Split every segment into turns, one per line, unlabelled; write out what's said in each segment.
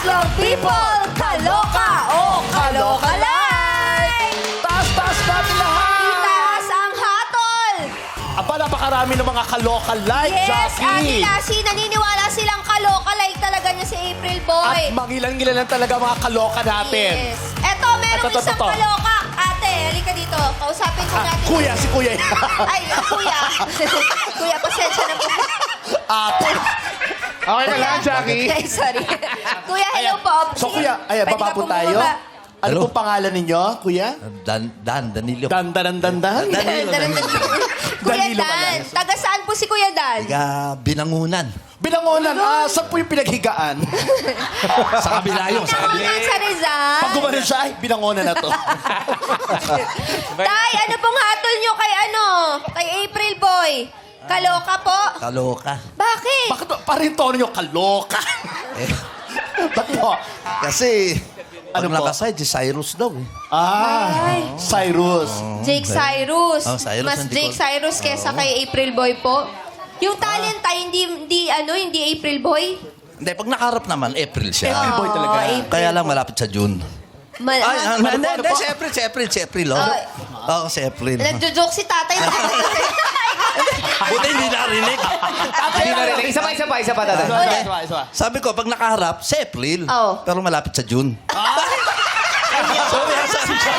tatlong people, kaloka o kaloka like!
Taas natin lahat!
Itaas ang hatol!
Aba, napakarami ng mga kaloka like,
Yes,
Jackie!
Ate naniniwala silang kaloka like talaga niya si April Boy.
At mangilan-ngilan talaga mga kaloka natin.
Yes. Eto, merong
Ito.
isang kaloka. Ate, halika dito. Kausapin ko natin.
Kuya, si Kuya.
Ay, kuya. Kuya, pasensya na po.
Ate.
Okay ka lang, Jackie?
Ay, sorry. Kuya, hello po.
So,
Sige,
Kuya, ayan,
pwede
baba
ka
po
pong
tayo.
bumaba.
Ano
Hello?
pong pangalan ninyo, Kuya?
Danilo.
Dandan.
Danilo.
Kuya
Danilo pala.
Dan, taga saan po si Kuya Dan?
Taga Binangunan.
Binangonan, saan po yung pinaghigaan?
Sa kabila yun. Sa kabila.
Pinangunan sa Rizal.
Pag gumanon siya, ay, binangonan na to.
Tay, ano pong hatol nyo kay Kay April Boy? Kaloka po?
Kaloka.
Bakit?
Bakit parang tono nyo, kaloka?
Eh,
Ba't po?
kasi,
Ano
ano
po?
nakasay, si Cyrus daw. Eh.
Ay.
Cyrus.
Jake Cyrus.
Oh, Cyrus,
Mas
hindi
Jake
ko-
Cyrus kesa kay April Boy po. Yung talent tay, hindi April Boy.
Hindi, pag nakaharap naman, April siya.
April Boy talaga.
April.
Kaya lang malapit sa June.
Mal-
Ay,
ano
hindi,
po?
si April, oh.
Ay.
Oo, si April.
Nagjo-joke si tatay.
Buti hindi narinig.
Hindi na rin. Isa pa, tatay.
Isa.
Sabi ko, pag nakaharap, si April.
Oo.
Pero malapit sa June. Sorry, sabi siya.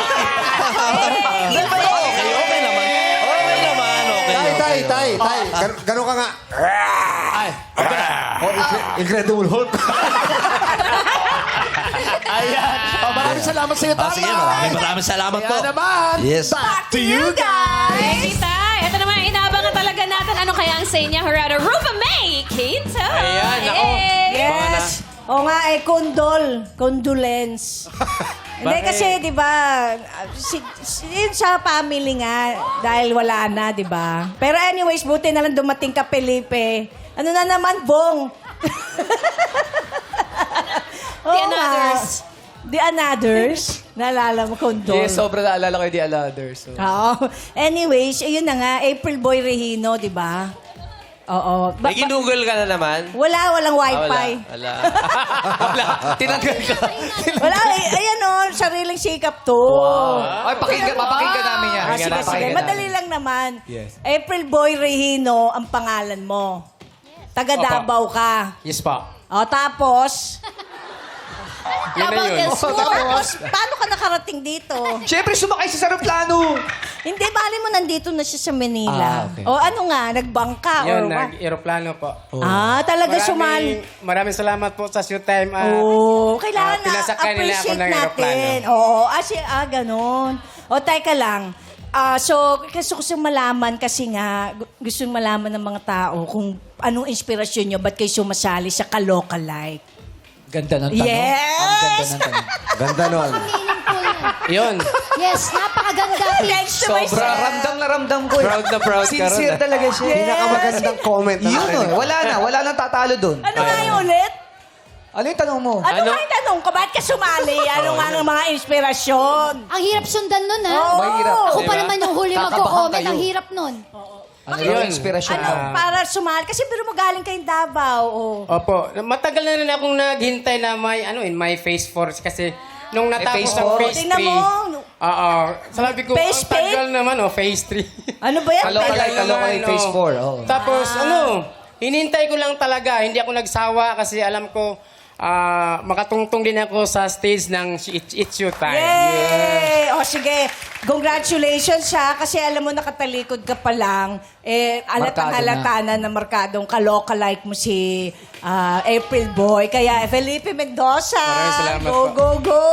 Okay naman. Okay.
Tay. Gano'n ka nga.
Ay,
Incredible Hulk.
ayan. Maraming salamat sa iyo,
Ah, sige, maraming salamat po.
Kaya naman,
Yes.
back to you guys.
Kita, ito naman, inaabangan talaga natin ano kaya ang say niya, Gerardo Rupa May Quinto.
Ayan, ako.
Yes. O nga, condolence. Hindi kasi, di ba, yun sa family nga, dahil wala na, di ba? Pero anyways, buti na lang dumating ka, Felipe. Ano na naman, Bong?
The Anothers.
The Anothers? Naalala mo, condol.
Yes, sobrang naalala ko yung The Others. So.
Oo. Anyways, ayun na nga, April Boy Regino, di ba? Oo.
May ginugol ka na naman?
Walang wifi.
Wala. Wala. Tinanggal ka.
Wala, ayan o, sariling sikap to.
Ay, papakinggan namin yan.
Ah, sige. Madali lang naman.
Yes.
April Boy Regino ang pangalan mo. Taga
Opo.
Davao ka.
Yes pa.
O, tapos,
Yun na yun.
tapos, paano ka nakarating dito?
Siyempre, sumakay sa aeroplano.
Hindi, bali mo nandito na siya sa Manila.
Ah, okay.
O, ano nga, nagbangka or
Yun,
what?
nag-aeroplano po.
Talaga sumali.
Maraming salamat po sa showtime.
Kailangan na
pinasakay nila ako
appreciate
ng
natin. Ganon. O, teka lang. So, gusto ko malaman kasi nga, gusto malaman ng mga tao kung anong inspirasyon nyo, ba't kayo sumasali sa Kaloka Like?
Ganda ng tanong.
Yes!
Ganda nun.
Yun.
Yes, napakaganda.
Thanks to my
Sobra, ramdam na ramdam ko. eh.
Proud na proud ka ron.
Sincere talaga siya.
Pinakamagandang comment na
Yun
narinig.
wala nang tatalo doon.
Ano nga yung ulit?
Ano yung tanong mo?
Ano nga yung tanong ko? Ba't ka sumali? Ano nga ang mga inspirasyon?
Ang hirap sundan nun, ha?
Oo.
Mahirap.
Ako pa
Diba?
naman yung huli
Kakabahan
magko-comment.
kayo.
Ang hirap nun.
Ano yung inspirasyon
Ano,
mo?
para sumali? Kasi pero mo galing kayong Davao.
Opo. Matagal na rin akong naghintay na my Face Force kasi nung natapos
Phase
ang
four?
Phase 3.
Tingnan mo.
Oo. Sabi ko,
Phase
ang tagal naman, Phase 3.
Ano ba yan?
Kaloka like, kaloka like, phase 4. Oh.
Tapos, hinintay ko lang talaga. Hindi ako nagsawa kasi alam ko, makatungtong din ako sa stage ng It's Your Time.
Yay! O sige, congratulations ha. Kasi alam mo, nakatalikod ka pa lang. Halata na markadong kaloka like mo si April Boy. Kaya Felipe Mendoza.
Maraming salamat
Go,
po.
go, go!